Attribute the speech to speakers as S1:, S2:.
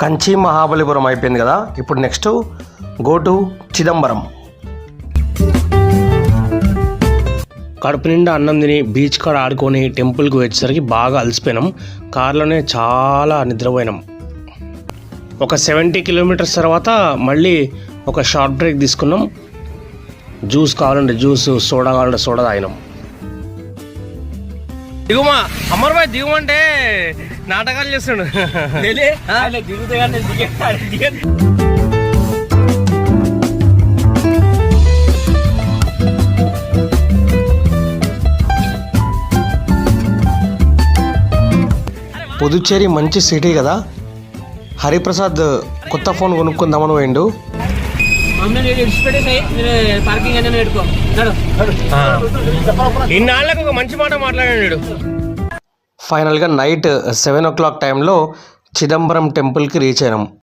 S1: కంచి మహాబలిపురం అయిపోయింది కదా. ఇప్పుడు నెక్స్ట్ గో టు చిదంబరం. కడుపు నిండా అన్నం తిని బీచ్ కాడ ఆడుకొని టెంపుల్కి వచ్చేసరికి బాగా అలసిపోయినాం. కార్లోనే చాలా నిద్రపోయినాం. ఒక 70 కిలోమీటర్స్ తర్వాత మళ్ళీ ఒక షార్ట్ బ్రేక్ తీసుకున్నాం. జ్యూస్ కావాలంటే జ్యూస్, సోడా కావాలంటే సోడా తాగినాం. దిగుమా అమర్ భాయ్, దిగుమంటే నాటకాలు చేస్తాడు. పుదుచ్చేరి మంచి సిటీ కదా. హరిప్రసాద్ కొత్త ఫోన్ కొనుక్కుందామని పోయిండు. ఇన్నాళ్ళకు ఒక మంచి మాట మాట్లాడాడు. ఫైనల్గా నైట్ 7 o'clock టైంలో చిదంబరం టెంపుల్కి రీచ్ అయినాం.